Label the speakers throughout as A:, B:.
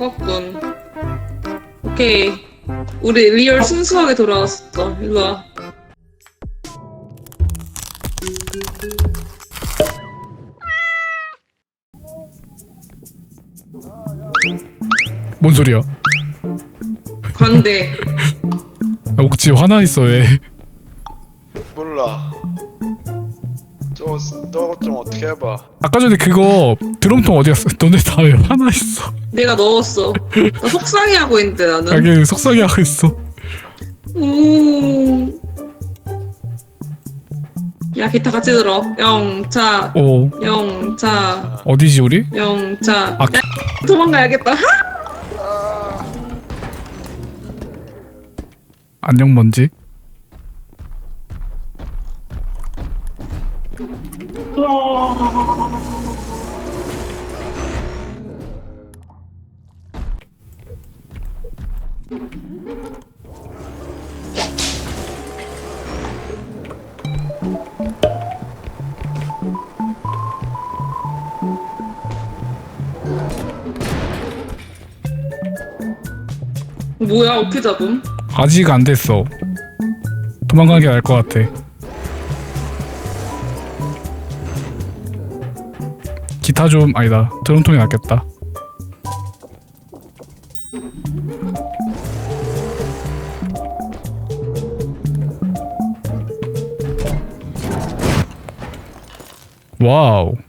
A: 바꿨군. 오케이. 우리 리얼 순수하게 돌아왔어. 일로와.
B: 뭔 소리야?
A: 광대.
B: 옥지 화나 있어 왜?
C: 몰라. 너 좀 어떻게 해봐.
B: 아까 전에 그거 드럼통 어디 갔어? 너네 다 왜 화나 있어?
A: 내가 넣었어. 나 속상해하고 있는데 나는.
B: 자기 속상해 하고 있어.
A: 야 기타 같이 들어. 영차.
B: 오
A: 영차.
B: 어디지 우리?
A: 영차.
B: 아,
A: 야, 도망가야겠다.
B: 안녕 먼지.
A: 뭐야 어떻게 잡음?
B: 아직 안 됐어. 도망가는 게 나을 것 같아. 기타 좀 아니다. 드럼통이 낫겠다. 와우.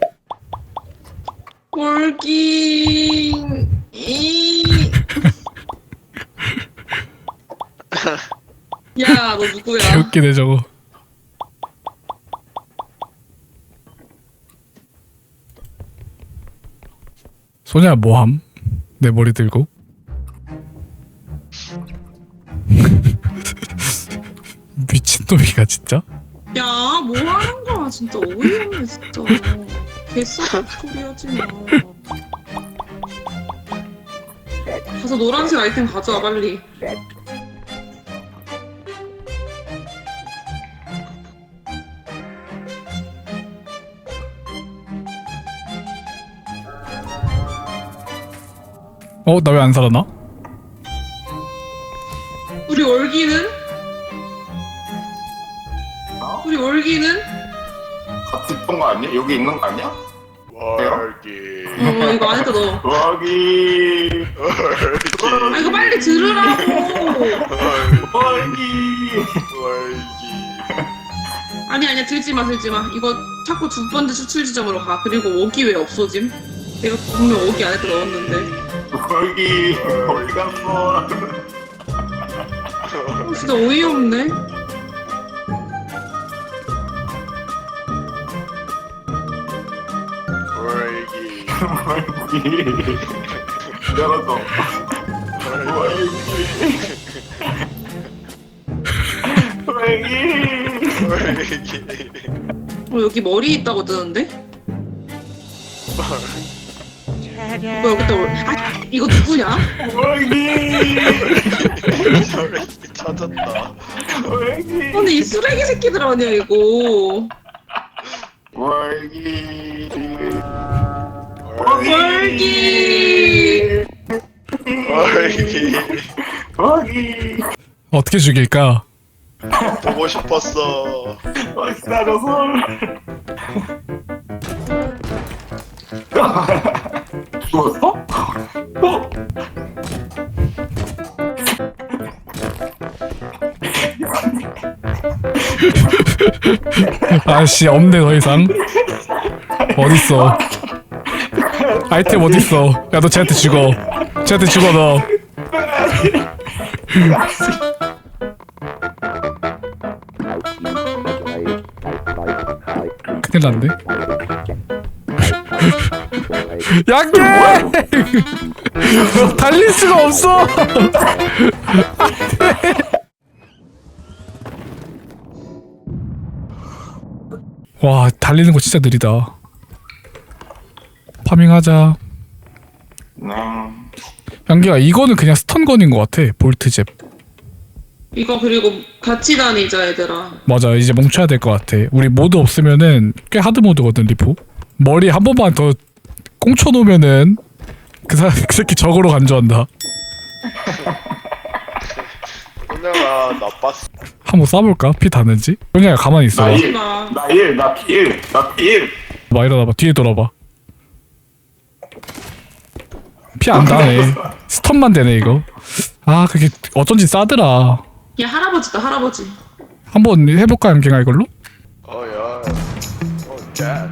A: 골기. 야, 너 누구야?
B: 개웃기네 저거. 소냐 뭐함? 내 머리 들고. 미친놈이가 진짜?
A: 야, 뭐 하는 거야? 진짜 어이없네, 진짜. 개썩 소리 하지 마. 가서 노란색 아이템 가져와, 빨리.
B: 어? 나 왜 안 살아나?
A: 우리 월기는? 우리 월기는?
D: 같이 있던 거 아니야? 여기 있는 거 아니야?
C: 월기.
A: 이거 안에다 넣어.
D: 여기
A: 아, 이거 빨리 들으라고!
D: 여기
C: 월기.
A: 아니야, 들지 마. 이거 자꾸 두 번째 추출 지점으로 가. 그리고 오기 왜 없어짐? 내가 분명 오기 안에다 넣었는데.
D: 여기 어디 갔어?
A: 진짜 어이없네.
C: 월기.
D: 여기 열었어. 여기
C: 월기.
A: 여기 머리 있다고 뜨는데? 뭐야 여기다 이거 누구냐?
D: 여기
C: 찾았다.
D: 여기
A: 근데 이 쓰레기 새끼들 아니야 이거.
D: 여기
A: 월기.
C: 월기.
D: 여기
B: 어떻게 죽일까?
C: 보고 싶었어.
D: 기다려서 죽었어?
B: 아씨 없네 더 이상. 어딨어? 아이템 어딨어? 야 너 쟤한테 죽어. 쟤한테 죽어 너. 큰일 났네. 양갱! 달릴 수가 없어! 와, 달리는 거 진짜 느리다. 파밍하자. 양기야, 이거는 그냥 스턴건인 것 같아. 볼트잽.
A: 이거 그리고 같이 다니자 얘들아.
B: 맞아, 이제 멈춰야 될 것 같아. 우리 모드 없으면은 꽤 하드 모드거든, 리포. 머리 한 번만 더 꽁쳐 놓으면은 그 새끼 적으로 간주한다.
C: 소녀가 나빴어.
B: 한번 쏴볼까? 피 닿는지? 그냥 가만히 있어.
D: 나
B: 봐.
D: 1, 나 1, 나 P1, 나 P1.
B: 일어나봐. 뒤에 돌아봐. 피 안 닿네. 스턴만 되네 이거. 아 그게 어쩐지 싸더라.
A: 야 할아버지다 할아버지.
B: 한번 해볼까 양갱아 이걸로?
C: 어야. cat.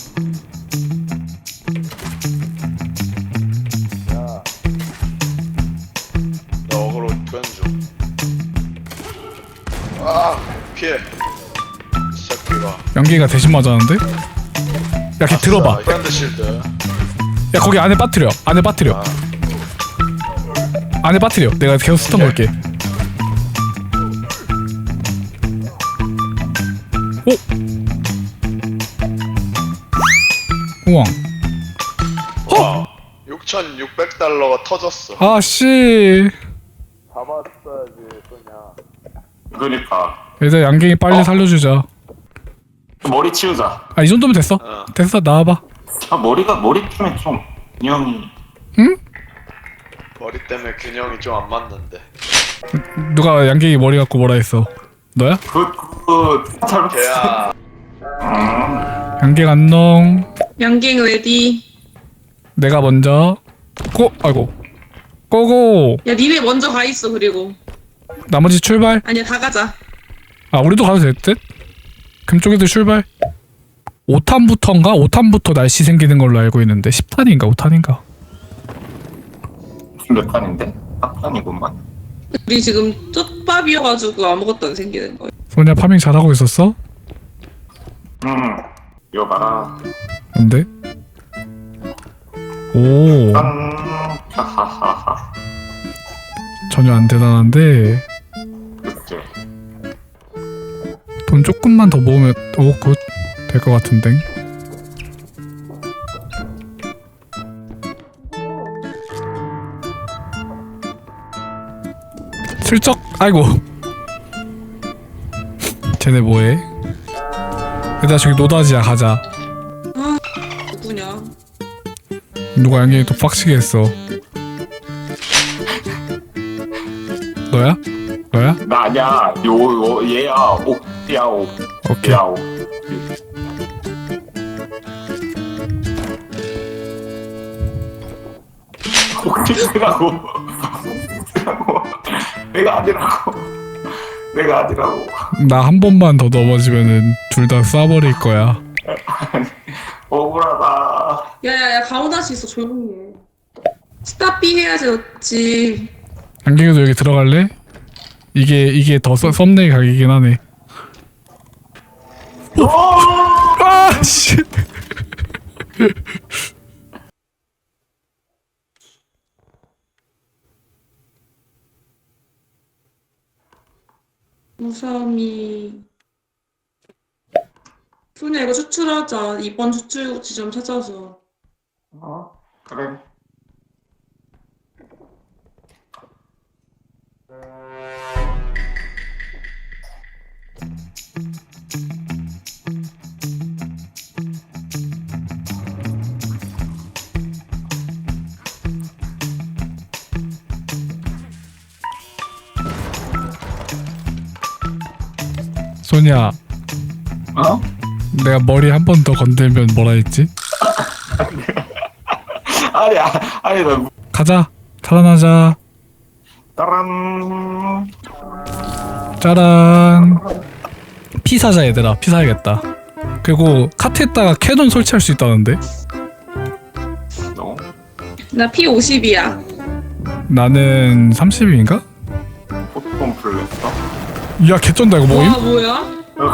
C: 야. 나 어그로 변주. 아 피해. 이 새끼가.
B: 양갱이가 대신 맞았는데? 야 걔 들어봐.
C: 프렌드 실드.
B: 야 거기 안에 빠뜨려. 안에 빠뜨려.
C: 아,
B: 안에 빠뜨려. 내가 계속 스턴 걸게. 오! 우왕.
C: 와. 6,600달러가 터졌어.
B: 아씨.
C: 잡았어야지 소냐.
D: 그러니까
B: 얘들 양갱이 빨리 살려주자.
D: 머리 치우자.
B: 아 이 정도면 됐어.
C: 어.
B: 됐어 나와봐.
D: 아 머리 치면 좀 균형이.
B: 응?
C: 머리 때문에 균형이 좀 안 맞는데.
B: 누가 양갱이 머리 갖고 뭐라 했어? 너야?
D: 잘.
C: 걔야.
B: 양갱 안녕.
A: 양갱 레디.
B: 내가 먼저. 아이고. 고고.
A: 야 니네 먼저 가 있어 그리고.
B: 나머지 출발.
A: 아니야 다 가자.
B: 아 우리도 가도 될 듯? 금쪽이도 출발. 5탄부터인가? 5탄부터 날씨 생기는 걸로 알고 있는데 10탄인가 5탄인가?
D: 몇 판인데? 4판이구만.
A: 우리 지금 쪽밥이어가지고 아무것도 안 생기는 거야.
B: 소냐 파밍 잘하고 있었어?
D: 이거 봐라.
B: 근데? 오
D: 하하하하.
B: 전혀 안 대단한데
D: 그치.
B: 돈 조금만 더 모으면 굿 될 것 같은데. 슬쩍 아이고 쟤네 뭐해? 얘들아 저기 노다지야 가자.
A: 누구냐?
B: 누가 양갱이 또 빡치게 했어. 너야? 너야?
D: 나 아니야. 얘야. 옥야 옥.
B: 오케이.
D: 야 옥. 옥지라고. 내가 아니라고. 내가 아니라고.
B: 나 한 번만 더 넘어지면은 둘 다 쏴버릴 거야.
D: 억울하다.
A: 야야야 가오다시 있어 조용히 해. 스탑비 해야지 어찌.
B: 양갱이도 여기 들어갈래? 이게 더 썸네일 각이긴 하네. 아 씨.
A: 무섬이. 소냐 이거 추출하자. 이번 추출 지점 찾아서.
D: 그래.
B: 소냐,
D: 어?
B: 내가 머리 한 번 더 건들면 뭐라 했지?
D: 아니 나
B: 가자. 탈환하자.
D: 따란.
B: 짜란. 피 사자 얘들아. 피 사야겠다. 그리고 카트에다가 캐논 설치할 수 있다는데?
D: 너?
A: 나 P50이야.
B: 나는 30인가?
D: 포트폰 플랫어?
B: 야 개쩐다 이거 모임?
A: 와 뭐야?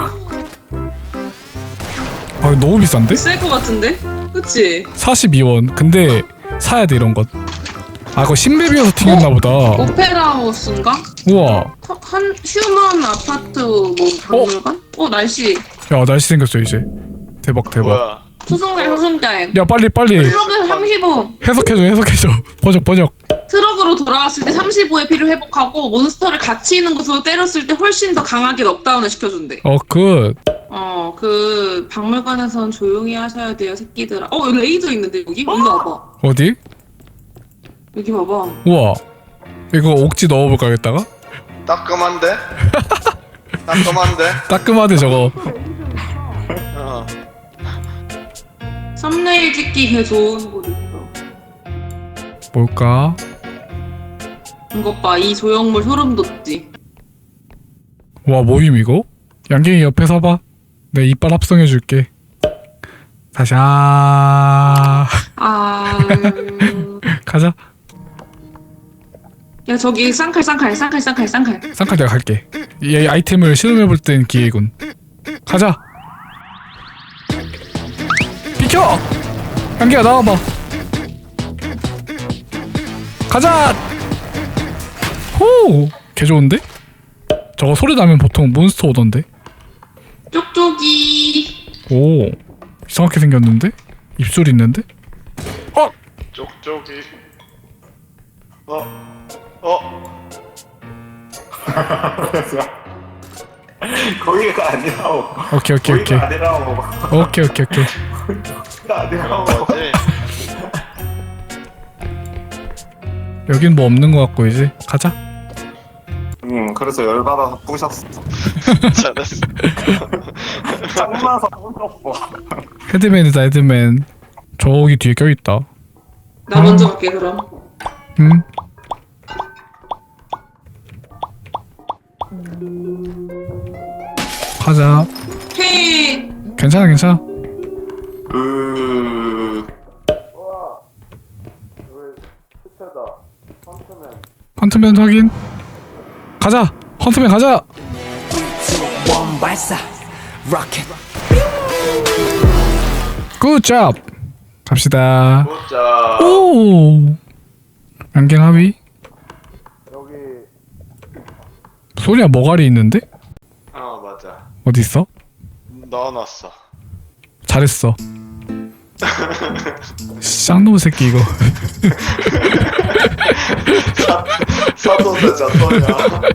B: 아 너무 비싼데?
A: 셀 것 같은데? 그치?
B: 42원. 근데 사야 돼 이런 것. 아 그거 신맵이어서 튕겼나 보다.
A: 오페라 하우스인가?
B: 우와.
A: 한 휴먼 아파트 뭐 박물관? 날씨.
B: 야 날씨 생겼어 이제. 대박 대박.
C: 뭐야?
A: 소송달.
B: 야 빨리
A: 트럭에 35.
B: 해석해줘. 번역.
A: 트럭으로 돌아왔을 때 35의 피를 회복하고 몬스터를 같이 있는 곳으로 때렸을 때 훨씬 더 강하게 넉다운을 시켜준대.
B: 굿.
A: 그 박물관에선 조용히 하셔야 돼요 새끼들아. 여기 레이저 있는데 여기? 일로 와봐.
B: 어디?
A: 여기 봐봐.
B: 우와. 이거 옥지 넣어볼까 여기다가?
C: 따끔한데? 따끔한데?
B: 따끔하대 저거.
C: 어.
A: 썸네일 찍기 개 좋은 곳 있어.
B: 뭘까?
A: 이것 봐, 이 조형물 소름 돋지.
B: 와 모임 이거? 양갱이 옆에 서봐. 내 이빨 합성해줄게. 다시
A: 아,
B: 가자.
A: 야 저기 쌍칼.
B: 쌍칼 내가 갈게. 이 아이템을 실험해볼 땐 기회군. 가자. 비켜! 양갱아 나와봐. 가자! 호! 개 좋은데? 저거 소리 나면 보통 몬스터 오던데?
A: 쪽쪽이.
B: 오 이상하게 생겼는데? 입술 있는데?
C: 쪽쪽이.
D: 거기가 아니라고.
B: 오케이
D: 거기가 아니라고.
B: 오케이
D: 거기가 아니라고.
C: 뭐지?
B: 여긴 뭐 없는 것 같고 이제 가자.
D: 그래서 열받아서 부셨어.
C: 잘했어.
D: 짱나서 부셨어.
B: 헤드맨이다 헤드맨. 저기 뒤에 껴있다.
A: 나 먼저 갈게 그럼.
B: 응? 가자.
A: 헤.
B: 괜찮아. 헌트맨 확인. 가자. 헌트맨 가자.
E: 원 발사 로켓
B: 굿잡. 갑시다.
C: 보자.
B: 오. 양갱 합의.
C: 여기.
B: 소리야 머가리 있는데?
C: 맞아.
B: 어디 있어?
C: 넣어놨어.
B: 잘했어. 쌍놈 새끼 이거.
C: 사도대 자토냐.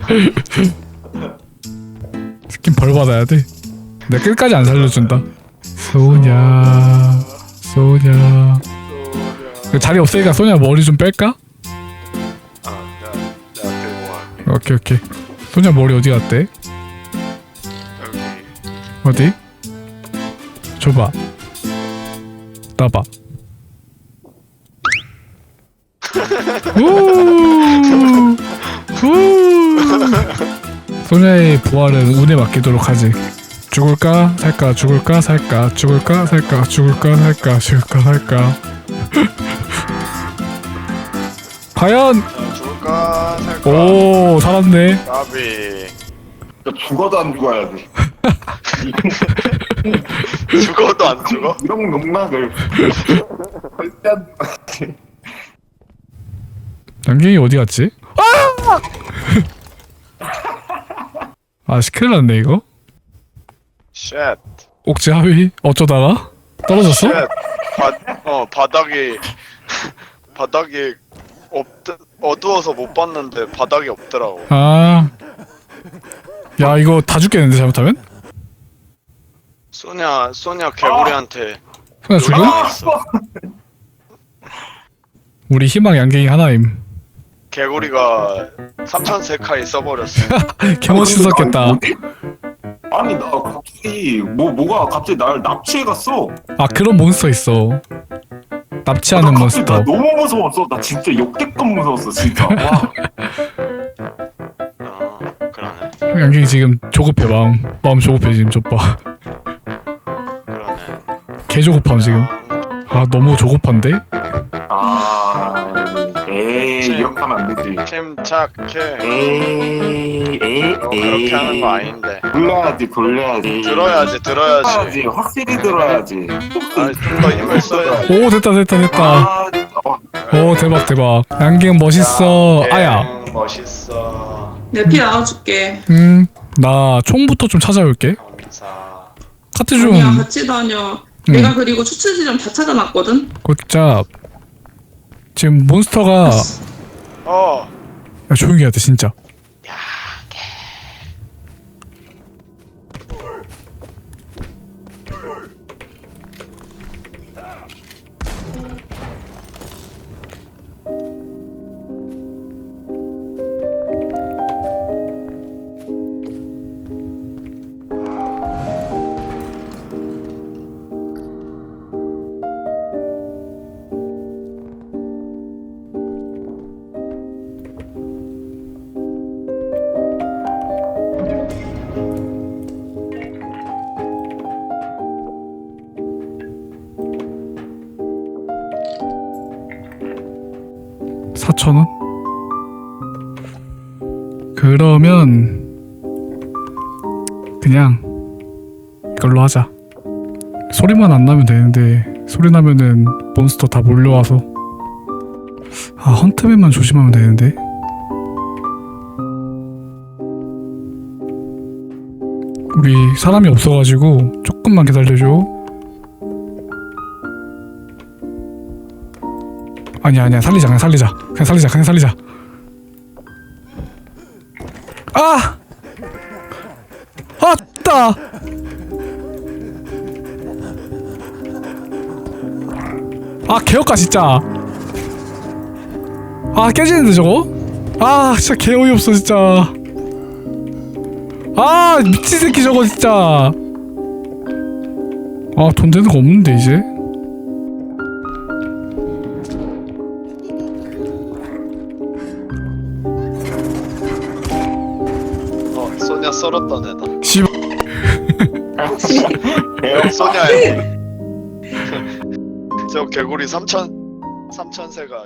B: 스킨 벌 받아야 돼. 내가 끝까지 안 살려준다. 소냐. 그 자리 없으니까 소냐 머리 좀 뺄까?
C: 내가 들고 갈게.
B: 오케이. 소냐 머리 어디 갔대?
C: 여기.
B: 어디? 줘봐. 따봐. 소냐의 부활은 운에 맡기도록 하지. 죽을까 살까 죽을까 살까 죽을까 살까 죽을까 살까 죽을까 살까. 과연.
C: 죽을까 살까.
B: 오 살았네.
C: 까비.
D: 죽어도 안 죽어야 돼.
C: 죽어도 안 죽어?
D: 이런 농락을 절대 안 죽어.
B: 양갱이 어디 갔지? 아 큰일 났네 이거.
C: 쉣.
B: 옥지 하위 어쩌다가 떨어졌어?
C: 쉣. 바닥이 바닥이 어두워서 못 봤는데 바닥이 없더라고.
B: 아. 야 이거 다 죽겠는데 잘못하면?
C: 소냐 개구리한테
B: 그냥 죽음?
C: 놀라있어.
B: 우리 희망 양갱이 하나임.
C: 개구리가 3000세카이 써버렸어.
B: 개멋있었겠다.
D: 아니 나 갑자기 뭐가 갑자기 날 납치해 갔어.
B: 아 그런 몬스터 있어. 납치하는
D: 나 갑자기 나
B: 몬스터.
D: 너무 무서웠어. 나 진짜 역대급 무서웠어 진짜. 와.
C: 그러네.
B: 양갱이 지금 조급해 마음 조급해 지금 좁봐.
C: 그러네.
B: 개 조급함 지금. 아 너무 조급한데?
D: 이렇게 하면 안 되지.
C: 침착해.
D: 에이.
C: 그렇게 하는 거 아닌데.
D: 돌려야지.
C: 들어야지.
D: 확실히 들어야지.
C: 아니 좀 더 힘을 써야지.
B: 오 됐다. 오 대박. 양갱 멋있어. 아야.
C: 멋있어.
A: 내가 피 나눠줄게.
B: 나 총부터 좀 찾아올게.
C: 감사.
B: 카트 좀.
A: 아니야 같이 다녀. 내가 그리고 추천 지점 다 찾아놨거든.
B: 굿잡. 지금 몬스터가. 야 조용히 해야 돼 진짜. 4,000원? 그러면 그냥 이걸로 하자. 소리만 안 나면 되는데 소리 나면은 몬스터 다 몰려와서. 아, 헌트맨만 조심하면 되는데. 우리 사람이 없어가지고 조금만 기다려줘. 아니야 살리자. 그냥 살리자. 아! 아, 됐다! 아, 개역가 진짜. 아, 깨지는데 저거? 아, 진짜 개 어이없어 진짜. 아, 미친 새끼 저거 진짜. 아, 돈 되는 거 없는데 이제.
C: 소냐 썰었던 애다.
B: 씨발.
C: 소냐야. 저 개구리 3,000세가.